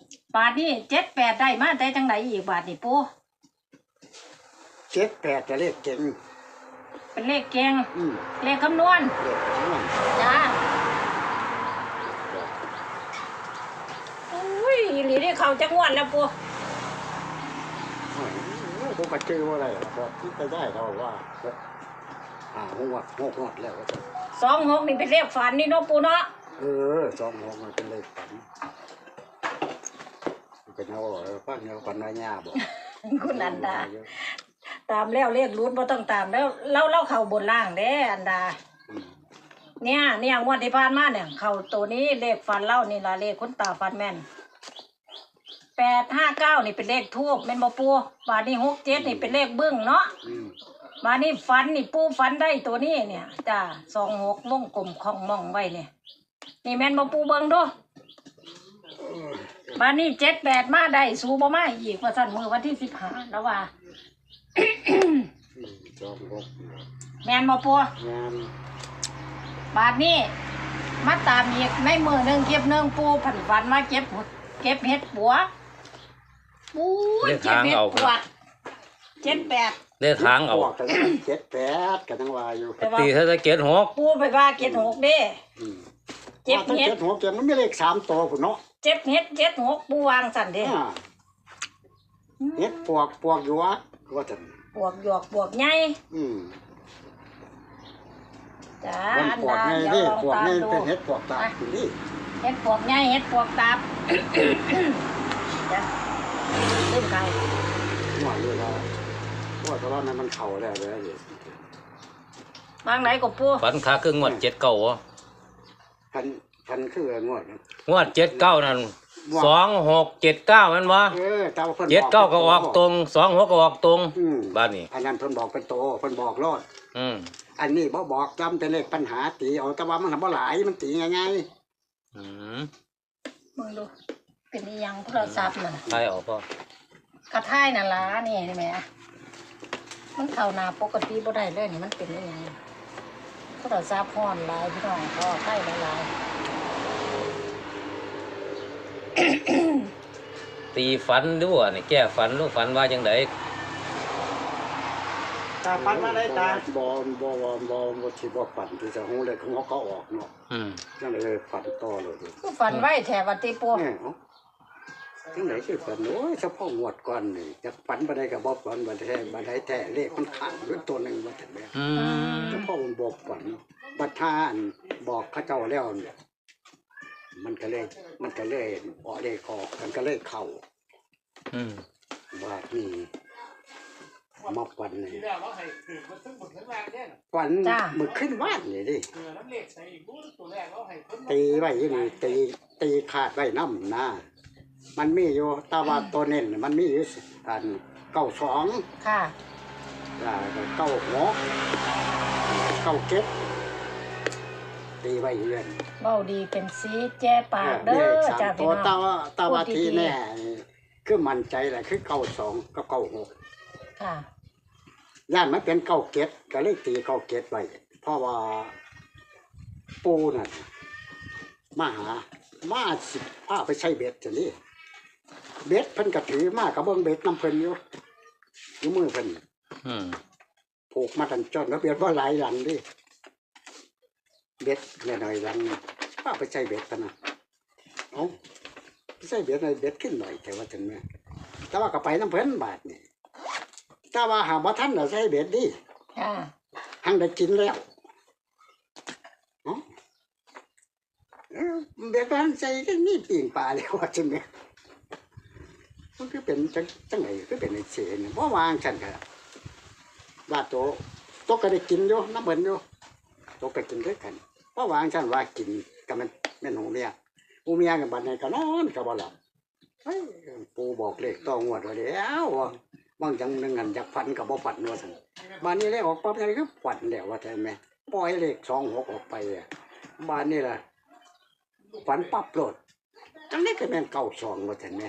บาทนี่7-8ได้มาได้จังไหนอีกบาทนี่ปู 7-8จะเลขเก่งเป็นเลขเก่งเลขคำนวณจ้าอุ้ยหลีนี่เขาจะงวดแล้วปูผมก็ชื่อว่าอะไรครับที่จะได้เราว่าหกแล้ว 26นี่เป็นเลขฝันนี่เนาะปูเนาะ 26มันเป็นเลขฝันเป็นเอาฟังเอาปัญญาบอกคุณอันดาตามแล้วเลขรุดบ่ต้องตามแล้วเล่าเข้าบนล่างเด้อันดาเนี่ยงวดที่ผ่านมาเนี่ยเข้าตัวนี้เลขฝันเล่านี่ล่ะเลขคุณตาฝันแม่น859นี่เป็นเลขทูบแม่นบ่ปูบาดนี้67นี่เป็นเลขบึ้งเนาะบาดนี้ฝันนี่ปูฝันได้ตัวนี้เนี่ยจ้า26วงกลมของมองไว้เนี่ยนี่แม่นบ่ปูเบิ่งดูบาดนี้7-8มาได้สู้บ่มาอีกว่าซั่นมื้อวันที่15แล้วว่าแม่นบ่ปูบาดนี้มาตามอีกในมื้อนึงเก็บนึงปูผันฝันมาเก็บเห็ดปัวปูเก็บเห็ดปัว7-8 ได้ทางเอา 7-8กันทั้งวาอยู่ตีถ้าจะ7-6 ปูไปว่า7-6เด้เจ็บเห็ด7-6มันไม่เลข3ตัวพุ่นเนาะ 7-6ปูวางสั่นเด้เห็ดปวกอยู่ว่าซั่นปวกหยวกปวกใหญ่จ้าอันดาเดี๋ยวลองตามดูเป็นเห็ดปวกตานี่เห็ดปวกใหญ่เห็ดปวกตาจ้ะลืมไก่หัวเลยว่าตอนนั้นมันเข่าแล้วเลยบางไหนก็ปูฝันขาคืองวด79อ่ะพันคืองวด79นั่น2679มันบ่79ก็ออกตรง26ก็ออกตรงบ้านนี้อันนั้นเพิ่นบอกเป็นโตเพิ่นบอกรอดอันนี้บ่บอกจำแต่เลขปัญหาตีเอาแต่ว่ามันบ่หลายมันตีง่ายมึงดูเป็นอีหยังโทรศัพท์น่ะใช่ออกบ่กระท่ายน่ะล่ะนี่ใช่มั้ยมันเข้าหน้าปกติบ่ได้เลยนี่มันเป็นอีหยังโทรศัพท์ฮ้อนหลายพี่น้องก็ใกล้หลายตีฝันดูอ่ะนี่แก้ฝันลูกฝันว่าจังได๋ตาฝันว่าได้ตาบ่สิบ่ฝันที่จะฮู้เลยของเขาออกเนาะจังได๋ฝันต่อเลยคือฝันไว้แท้ว่าติปูจังได๋คือฝันโอ้ยเฉพาะงวดก่อนนี่จักฝันบ่ได้ก็บ่ฝันบ่ได้แท้เลขมันข้างอยู่ตัวนึงว่าซั่นแหละเฉพาะมันบ่ฝันบัดท่านบอกเขาเจ้าแล้วมันก็เลยออกเลขออกมันก็เลยเข้าว่านี่มาฝันนี่ฝันมือขึ้นบ้านนี่ดิตีไว้นี่ตีขาดไว้น้ำนะมันมีอยู่ตาว่าตัวเน้นมันมีอยู่อัน92 ค่ะ 96 97ตีไว้เรื่อยเว้าดีเป็นสีแจ้ปากเด้อจ้าพี่น้องตาว่าทีแน่คือมั่นใจแหละคือ92กับ96 ค่ะย่านมันเป็น97ก็เลยตี97ไว้เพราะว่าปูน่ะมาสิพาไปใช้เบ็ดจังนี้เบ็ดเพิ่นก็ถือมาก็เบิ่งเบ็ดนำเพิ่นอยู่มือเพิ่นผูกมาตันจนแล้วเบ็ดบ่หลายหลังดิเบ็ดหน่อยๆหลังพาไปใช้เบ็ดกันน่ะเอ้าใช้เบ็ดหน่อยเบ็ดขึ้นหน่อยแต่ว่าจังแม่แต่ว่าก็ไปนำเพิ่นบาดนี่แต่ว่าหาบ่ทันน่ะใช้เบ็ดดิหังได้กินแล้วเบ็ดมันใส่นี่ปิ่งปลาแล้วว่าจังแม่มันคือเป็นจังไหนคือเป็นไอ้เสนบ่วางฉันก็ว่าโตก็ได้กินอยู่น้ำเบิ่นอยู่โตก็กินด้วยกันบ่วางฉันว่ากินก็มันแม่นหูเมียก็บัดนี้ก็นอนก็บ่หลับเฮ้ยปูบอกเลขต้องงวดว่าแล้วบางจังนึงอันอยากฝันก็บ่ฝันว่าซั่นบัดนี้เลขออกปั๊บนี่คือฝันแล้วว่าแต่แม่ปล่อยเลข26ออกไปบัดนี้ล่ะฝันปั๊บโลดจังได๋ก็แม่น92ว่าซั่นแม่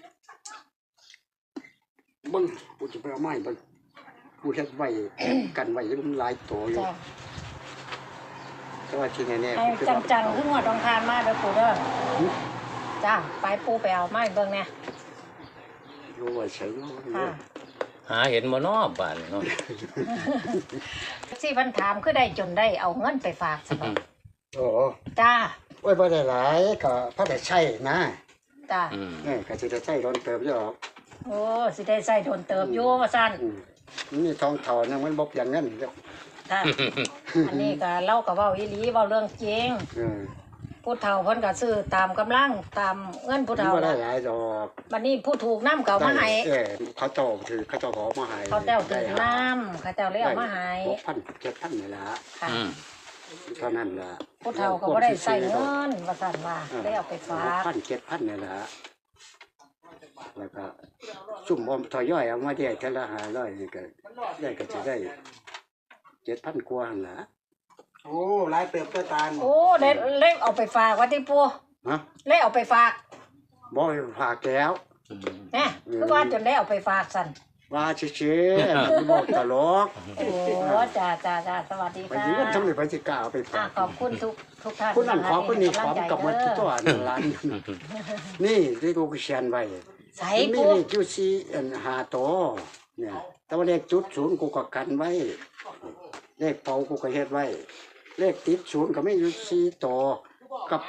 เบิ่งกูจะไปเอาไม้เบิ่งกูเฮ็ดไว้กันไว้มันหลายตัวอยู่แต่ว่าที่แน่ๆจังๆคืองวดต้องคานมาเด้อปู่เด้อจ้าไปปูไปเอาไม้เบิ่งเนี่ยอยู่ว่าเฉยเนาะค่ะหาเห็นบ่เนาะบ้านนี่เนาะสิเพิ่นถามคือได้จนได้เอาเงินไปฝากซะบ่โอ้จ้าโอ้ยบ่ได้หลายก็พอได้ใช้นะจ้าก็สิได้ใช้โดนเติบอยู่หรอกโอ้สิได้ใส่โดนเติบอยู่ว่าซั่นนี่ทองเท่านึงมันบ่เพียงเงินเด้อค่ะอันนี้ก็เล่าก็เว้าอีหลีเว้าเรื่องจริงเออผู้เฒ่าเพิ่นก็ซื้อตามกำลังตามเงินผู้มันเฒ่าบ่ได้ล่ะหลายดอกบัดนี้ผู้ถูกน้ำเก่ามาให้เขาเจ้าถือเขาเจ้าขอมาให้เขาเจ้าถือน้ำเขาเจ้าเลยเอามาให้ 6,000 7,000นี่ล่ะค่ะเท่านั้นล่ะผู้เฒ่าก็บ่ได้ใส่เงินว่าซั่นว่าได้เอาไปฝาก 6,000 7,000นี่ล่ะแล้วก็ซุ่มอมทอยย่อยเอามาได้เท่าละ500นี่ก็ได้ก็จะได้7,000กว่าหั่นล่ะโอ้หลายเติบตัวตาลโอ้ได้เลยเอาไปฝากว่าติปู่ฮะเลยเอาไปฝากบ่ฝากแล้วแหน่คือว่าจนได้เอาไปฝากซั่นว่าชื่อๆบอกตลกโอ้จ้าสวัสดีไปค่ะยืนทำไมไปสิกล้าเอาไปฝากขอบคุณทุกท่านคุณนั่นขอคุณนี่ขอให้กับหมดำลังใจตัวร้านนี่ที่กูเขียนไว้ใส่มีปู่เลขจุดสี่5ตัวเนี่ยแต่ว่าเลขจุดศูนย์กูก็กันไว้เลขเป่ากูก็เฮ็ดไว้ เลขติดศูนย์ก็ไม่อยู่4ตัวกับ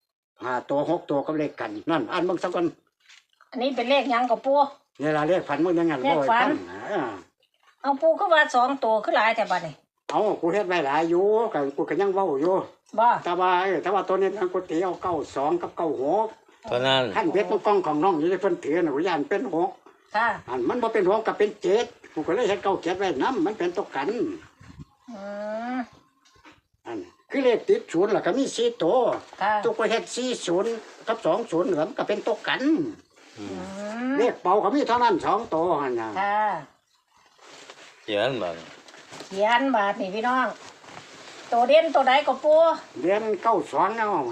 5ตัว6ตัวกับเลขกันนั่นอ่านเบิ่งสักก่อนอันนี้เป็นเลขหยังกับปู่เวลาเลขฝันมึงยังงั้นเลขฝัน เอาปู่คือว่า2ตัวคือหลายแต่บัดนี้เอากูเฮ็ดไว้หลายอยู่ก็กูก็ยังเว้าอยู่บ่แต่ว่าตัวนี้ทางกูตีเอา92กับ96 เพราะนั้นขั้นเพชรมันกล้องของน้องอยู่ในเพิ่นถือน่ะกูย่านเป็น6 ค่ะอันมันบ่เป็น6ก็เป็น7กูก็เลยเฮ็ด97ไว้นํมันเป็นตกกันอืมอันคือเลขติดศูนย์ล่ะก็มี4ตัวค่ะตัวก็เฮ็ด40กับ20เหลือมก็เป็นตกกันอืมเลขเป่าก็มีเท่านั้น2ตัวหั่นน่ะค่ะเขียนบัดเขียนบาทนี่พี่น้อง ตัวเด่นตัวใดก็ปู่เรียน92เอาไว้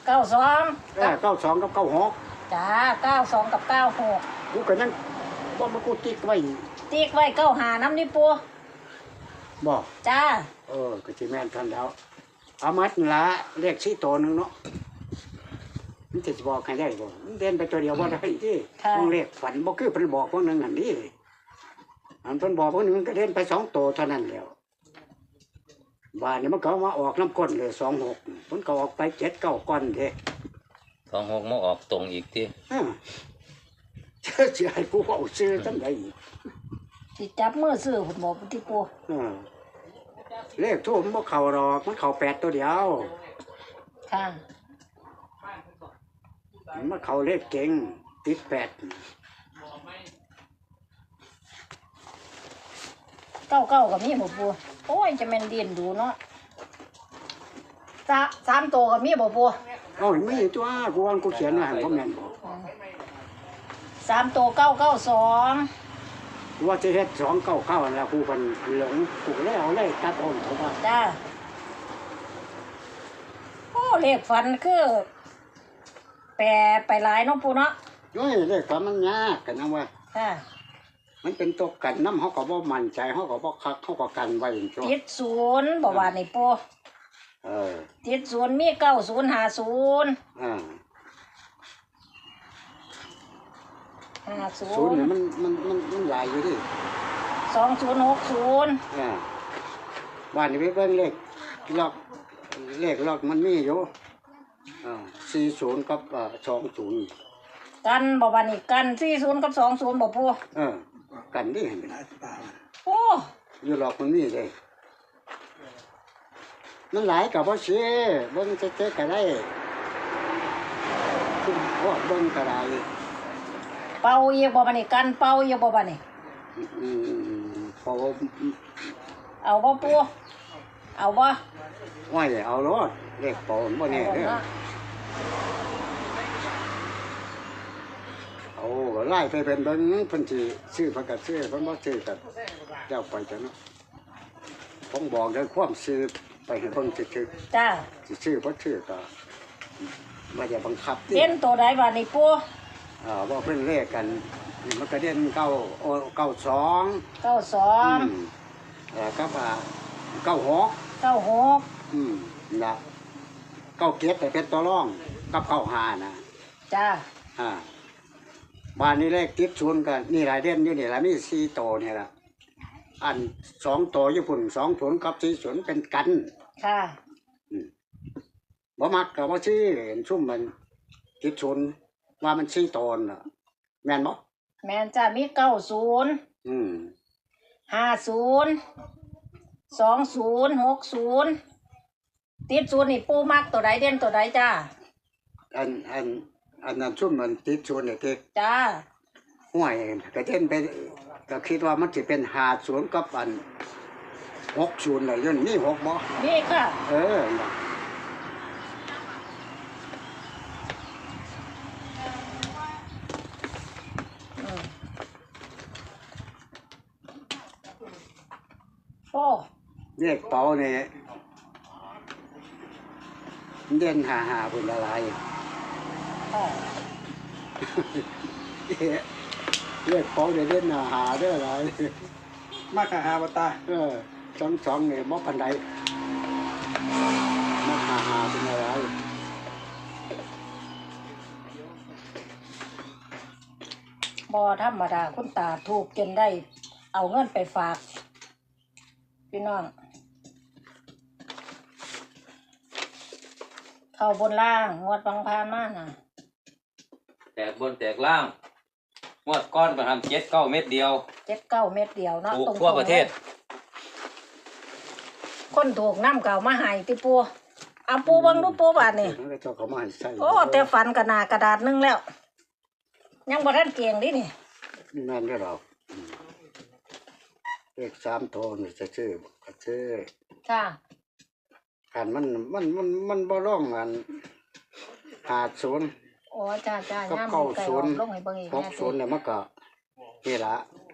92 92กับ96 จ้า92กับ96 กูก็ยังบ่มากูติ๊กไว้ติ๊กไว้95นำนี่ปู่บ่จ้าก็สิแม่นทันแล้วเอามัดนั่นละเลข4ตัวหนึงเนาะมันจะบอกให้ได้บ่มันเด่นไปตัวเดียวบ่ได้ที่ค่ะต้องเลขฝันบ่คือเพิ่นบอกพวกนึงหั่นนี่อันเพิ่นบอกพวกนึงก็เด่นไป2ตัวเท่านั้นแล้วบาดนี้มันก็มาออกน้ำก้นเลย26มันก็ออกไป7 9ก้อนเด้ 26มาออกตรงอีกติสิให้กูเอาซื้อจังได๋สิจับมือซื้อพุ่นบ่ที่ปู่เลขทูบมันบ่เข้าดอกมันเข้า8ตัวเดียวค่ะมันเข้าเลขเก่งติด8 99ก็มีบ่ปู่โอ้ยจะแม่นเดียนดูเนาะ3ตัวก็มีบ่ปู่เอ้ามีตัวกูว่ากูเขียนไว้ให้บ่แม่นบ่ 3ตัว992 กูว่าจะเฮ็ด299นั่นล่ะกูเพิ่นหลงกูก็เลยเอาเลยตัดอ้นเขาว่าจ้าโอ้เลขฝันคือแปรไปหลายเนาะปู่เนาะโอ้ยเลขความมันยากกันนะว่าค่ะมันเป็นตัวกันน้ำเขาก็บ่มั่นใจเขาก็บ่คักเขาก็กันไว้จังซั่วติดศูนย์บอกว่านี่ปู่เออติดศูนย์มี9050 อ่า 50 ศูนย์นี่มันหลายอยู่ดิ 2060 อ่าบ้านนี้ไปเบิ่งล็อกล็อกมันมีอยู่40กับ20 กันบอกว่านี่กัน40กับ20บ่ปู่กันดิโอ้อยู่ล็อกมันมีเลยมันหลายก็บ่ซื้อเบิ่งเจ๊ๆก็ได้คือบ่เบิ่งก็ได้เป่าอีกบ่บัดนี้กันเป่าอีกบ่บัดนี้พอเอาบ่ปู่เอาบ่ว่าอย่าเอารถเลขปอนบ่แน่เด้อเนาะเอาก็ไล่ไปเป็นเบิ่งเพิ่นสิซื้อเพิ่นก็ซื้อเพิ่นบ่ซื้อก็เจ้าไปจังเนาะผมบอกได้ความซื้อไปให้เพิ่นซื้อจ้าสิซื้อบ่ซื้อก็บ่อย่าบังคับติเด่นตัวใดบัดนี้ปู่ว่าเพิ่นเลขกันมันก็เด่น92 92 กับ96 96 นะ97แต่เป็นตัวรองกับ95นะจ้าบ้านนี้เลขติดศูนย์กันนี่หลายเด่นอยู่นี่ละมี4โตนี่ละอัน2โตญี่ปุ่น2 0กับ4 0เป็นกันค่ะบ่มักก็บ่ซื้อเห็นซุ่มมันติดศูนย์ว่ามัน4โตน่ะแม่นบ่แม่นจ้ามี90 อืม 50 20 60ติดศูนย์นี่ปูมักตัวใดเด่นตัวใดจ้าอันนั้นซุ่มมันติดศูนย์นี่ที่จ้าห้วยก็เด่นไปก็คิดว่ามันสิเป็น50กับอัน60น่ะอยู่นี่6บ่นี่ค่ะน่ะโอ้เลขเป๋านี่เด่น55พุ่นละลายค่ะเลขเป๋าได้เด่น55เด้อหลายมากหาบตา 22นี่บ่ปานใดมา55เป็นอะไรบ่ธรรมดาคุณตาถูกจนได้ เอาเงินไปฝาก พี่น้อง เข้าบนล่างงวดบางพานมาน่ะแตกบนแตกล่างงวดก้อนไปทำ7-9 เม็ดเดียว 7-9 เม็ดเดียวเนาะถูกตรงๆทั่วประเทศคนถูกน้ำเก่ามาให้ติปูเอาปูเบิ่งดูปูบาดนี่มันก็เจ้าเขามาให้ใส่โอ้แต่ฝันกระหนากระดาษหนึงแล้ว ยังบ่ทันเกียงดินี่แม่นเด้อเราเลข3โทนี่จะชื่อก็ชื่อจ้าคันมันบ่ร้องกัน50 โอ้จ้าจ้ากับย่าม 90 ไก่ออกลงให้เบิ่งอีกแน่สิ 60เนี่ยมันก็นี่ล่ะ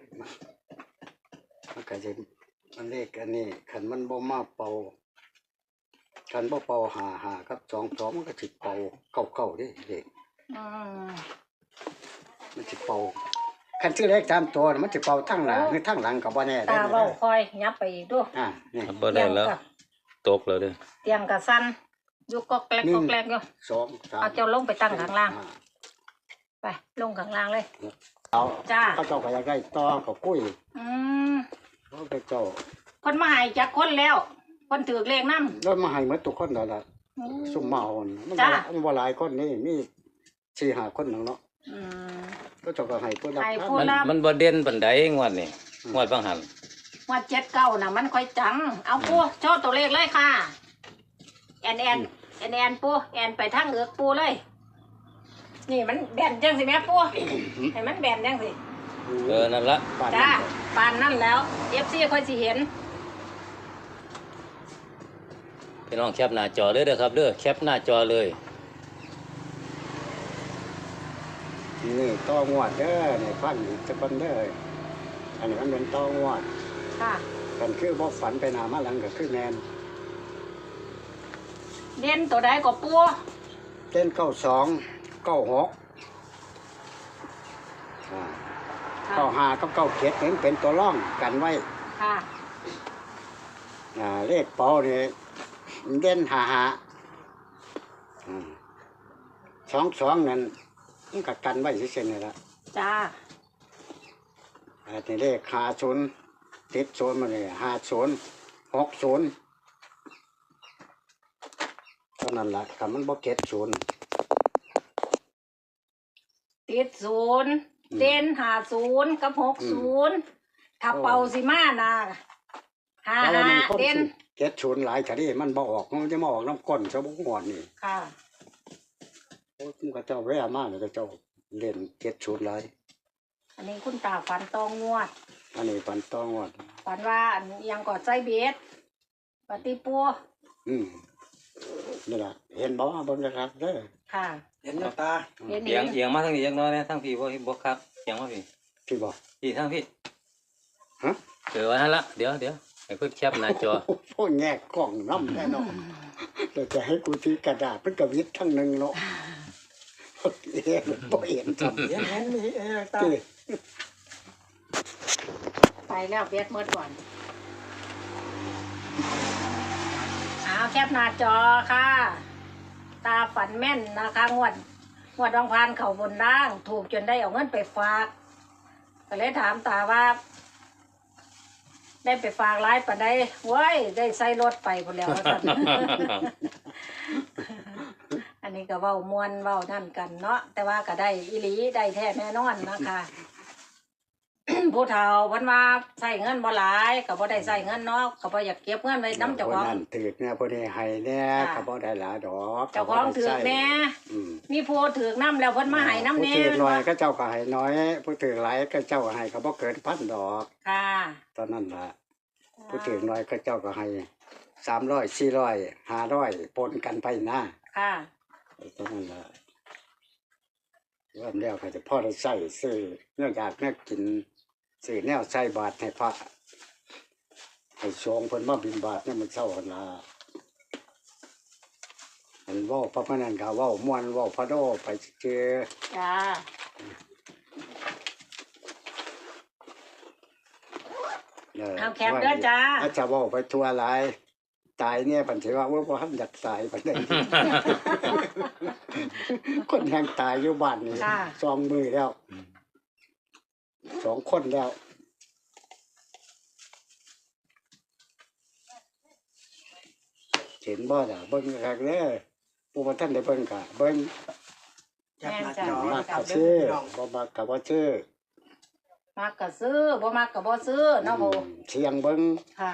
มันก็สิมันเลขอันนี้คันมันบ่มาเป่าคันบ่เป่า55กับ22มันก็สิเป่า99เด้เลขอืมมันสิเป่าคันชื่อเลข3ตัวน่ะมันสิเป่าทั้งหน้าหรือทั้งหลังก็บ่แน่ตาเว้าคอยยับไปอีกดูนี่บ่ได้แล้ว ตกแล้วเด้อเตียงกะสั่นอยู่ก็แกลกก็แกลกอยู่ 2 3 เอาเจ้าลงไปตั้งข้างล่าง ไปลงข้างล่างเลยเอาจ้าเขาเจ้าก็อยากได้ต่อก็คุยอืมเขาไปเจ้าเพิ่นมาให้จักคนแล้วเพิ่นถือเลขนำแล้วมาให้หมดทุกคนนั่นล่ะซุ่มเมาน่ะมันจ้าบ่หลายคนนี่มี4-5คนนึงเนาะอืมก็เจ้าก็ให้ผู้รับให้ทานผู้มันบ่เด่นปานใดงวดนี่งวดบางหันว่า79น่ะมันค่อยจัง เอาปูโชว์ตัวเลขเลยค่ะ แอนปูแอนไปทางเอือกปูเลย นี่มันแบนจังสิแม่ปูให้มันแบนจังสินั่นละป่านจ้านั้นปานนั่นแล้ว FC ค่อยสิเห็นพี่น้องแคปหน้าจอเลยเด้อครับเด้อแคปหน้าจอเลยนี่ต่องวดเด้อนี่ฟังอีกสักคนเด้ออันนี้มันเป็นต่องวดค่ะกันคือบ่ฝันไปหน้ามาหลังก็คือแม่นเด่นตัวใดก็ปูเต้น92 9695กับ97นี่เป็นตัวร่องกันไว้ค่ะเลขเป๋านี่เด่น5522นั่นมันก็กันไว้ซื่อๆนี่ล่ะจ้าอันนี้เลข50ติด0มาเลย50 60เท่านั้นล่ะคันมันบ่เก็ด0 ติด0เด่น50กับ60ถ้าเป่าสิมาน่ะเพราะว่ามันคน 55เด่นเก็ด0หลายชนิดมันบ่ออกมันจะมาออกน้ำก้นซะบ่งอนนี่ค่ะโอ้ยมันก็เจ้าแว่มาแล้วก็เจ้าเล่นเก็ด0หลายอันนี้คุณตาฝันตองงวดอันนี้ปันต้องวดฝันว่าอันยังกอดใจเบ็ดปฏิปูอืมนี่ล่ะเห็นบ่เบิ่งนะครับเด้อค่ะเห็นตาเห็นเอียงเอียงมาทางนี้จักหน่อยนะทางพี่บ่ครับเอียงมาพี่พี่บ่พี่ทางพี่ฮะว่านั่นละเดี๋ยวให้เพิ่นแคปหน้าจอโอ้แง่กล้องน้ำแน่นอนเราจะให้กูถือกระดาษเป็นกระวิดทั้งหนึงเนาะเอ๊ะบ่เห็นจังเห็นมีตาไปแล้วเบ็ดเมื่อก่อนเอาแคปหน้าจอค่ะ ตาฝันแม่นนะคะงวดงวดบางพานเขาบนล่างถูกจนได้เอาเงินไปฝากก็เลยถามตาว่า ได้ไปฝากร้ายปะได้เว้ยได้ใส่รถไปหมดแล้วว่าซั่น อันนี้ก็เว้ามวนเว้านั่นกันเนาะแต่ว่าก็ได้อีหลีได้แท้แน่นอนนะคะ ผู้เฒ่าเพิ่นว่าใส่เงินบ่หลายก็บ่ได้ใส่เงินเนาะก็บ่อยากเก็บเงินไว้นำเจ้าของนั่นถือเนี่ยผู้นี้ให้เนี่ยค่ะก็บ่ได้หลายดอกเจ้าของถือกแน่อืมมีผู้ถือกน้ำแล้วเพิ่นมาให้น้ำแน่ผู้ถือน้อยก็เจ้าก็ให้น้อย ผู้ถือหลายก็เจ้าก็ให้ก็บ่เกินพันดอกค่ะตอนนั้นล่ะผู้ถือน้อยก็เจ้าก็ให้300 400 500ปนกันไปนะค่ะตอนนั้นล่ะเริ่มแล้วก็จะพ่อได้ใส่ซื้อเนื่องจากเนี่ยกินซื้อแนวใส่บาตรให้พระให้ชงเพิ่นมาบิณฑบาตเนี่ยมันเศร้าหั่นล่ะอันเว้าพระพนันก็เว้าม่วนเว้าพระโดไปเจอจ้า เอาแคปเด้อจ้าอาจจะเว้าไปทั่วหลายตายเนี่ยปันสิว่าบ่ทันอยากตายปานใด คนแห่งตายอยู่บ้านนี่ค่ะ 2 มือแล้ว2 คนแล้วเห็นบ่ล่ะเบิ่งคักเด้อผู้บ่ทันได้เบิ่งก็เบิ่งแคปหน้าจอมักครัก็บซื้อพี่น้องบ่มักก็บ่ซื้อมักก็ซื้อบ่มักก็บ่ซื้อเนาะโบเสียงเบิ่งค่ะ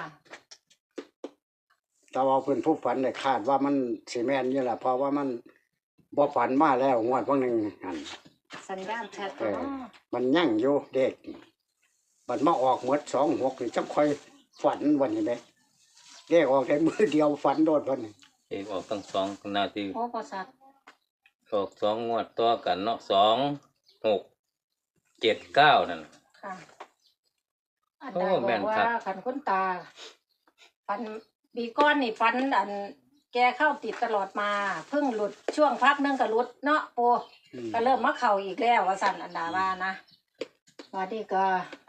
แต่ว่าเพิ่นผู้ฝันได้คาดว่ามันสิแม่นอยู่ล่ะเพราะว่ามันบ่ฝันมาแล้วงวดบางหนึงหั่นสัญญาณแชทเออเนาะมันยั่งอยู่เด็กมันมาออกหมด26นี่จังค่อยฝันวันนี้แหมเลขออกได้มือเดียวฝันโดดเพิ่นนี่เอกออกตั้ง2นาทีโอ้ประสัตว์ออก2งวดต่อกันเนาะ2 6 7 9นั่นค่ะอันโอ้ใดบแม่อกนว่าครับขันคุณตาฟันปีก้อนนี่ฟันอัน แกเข้าติดตลอดมาเพิ่งหลุดช่วงพักหนึงก็หลุดเนาะโปอืมก็เริ่มมาเข่าอีกแล้วว่าสั่นอันดาว่านะวันนี้ก็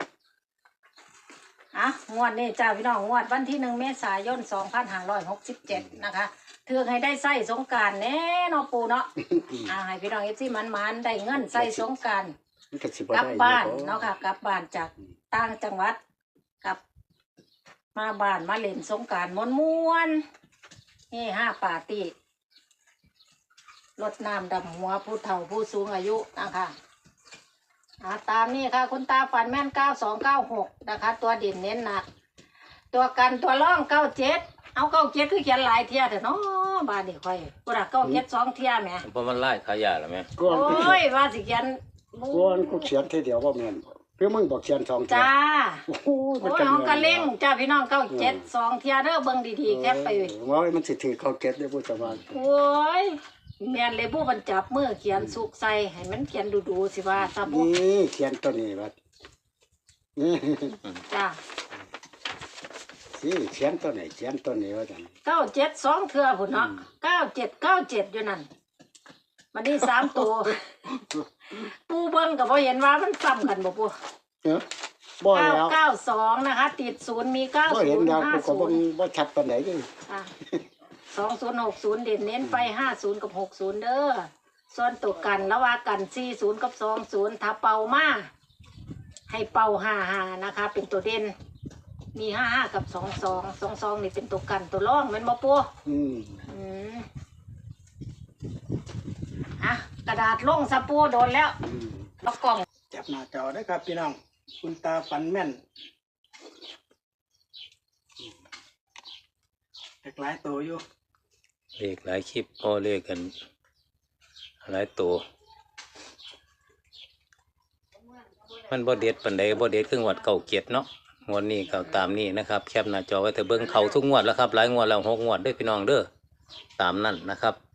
อ่ะงวดนี้จ้าพี่น้องงวดวันที่1 เมษายน 2567นะคะเถือกให้ได้ใส่สงกรารแน่เนาะปูเนาะ ให้พี่น้องFCมันๆได้เงินใส่สงกรารมันก็สิบ่กลับได้บ้านอยู่เนาะค่ะกลับบ้านจากต่างจังหวัดกลับมาบ้านมาเล่นสงกรารม้วนๆนี่5 ปาร์ตี้รดน้ำดำหัวผู้เฒ่าผู้สูงอายุนะคะตามนี่ค่ะคุณตาฝันแม่น9296นะคะ ตัวเด่นเน้นหนัก ตัวกันตัวร่อง97เอา97คือเขียนหลายเที่ยเถอะเนาะบ้านนี่ค่อยบ่ได้97 2เที่ยแหมเพราะมันไล่ขายาแล้วแม่ก่อนโอ้ยว่าสิเขียนก่อนกูเขียนทีเดียวบ่แม่นบ่คือมึงบอกเขียน2เที่ยจ้าโอ้โหโอ้ยเอากระเล่งจ้าพี่น้อง97 2เที่ยเด้อเบิ่งดีๆแคปไปว่ามันสิถือเข้าเก็ตได้ผู้สบายโอ้ยแม่นเลยผู้บรรจับมือเขียนสุกใส่ให้มันเขียนดูๆสิว่าซะบ่นี่เขียนตัวนี้บัดนี่จ้าสิเขียนตัวไหนเขียนตัวนี้ว่าจัง 97 2เทื่อพุ่นเนาะ97 อยู่นั่นมันนี่3ตัว ปูเบิ่งก็บ่เห็นว่ามันซ้ำกันบ่ปูเอ้อบ่แล้ว 992นะคะ ติด0มี90 บ่เห็นดาวกูก็บ่ 50 บ่ชัดปานใดเด้อ่ะ2060เด่นเน้นไป50กับ60เด้อส่วนตัวกันระหว่ากัน40กับ20ถ้าเป่ามาให้เป่า55นะคะ เป็นตัวเด่นมี55กับ22นี่เป็นตัวกันตัวร่องแม่นบ่ปูอืมอืมอ่ะกระดาษลงสะปูโดนแล้วอืมแล้วกล่องแคปหน้าจอได้ครับพี่น้อง คุณตาฝันแม่นเด็กหลายตัวอยู่เลขหลายคลิปพอเลขกันหลายตัวมันบ่เด็ดปานใดบ่เด็ดครึ่งวัดเก่าเกียรติเนาะงวดนี้ก็ตามนี้นะครับแคปหน้าจอไว้แต่เบิ่งเขาทุกงวดแล้วครับหลายงวดแล้ว6 งวดเด้อพี่น้องเด้อตามนั่นนะครับ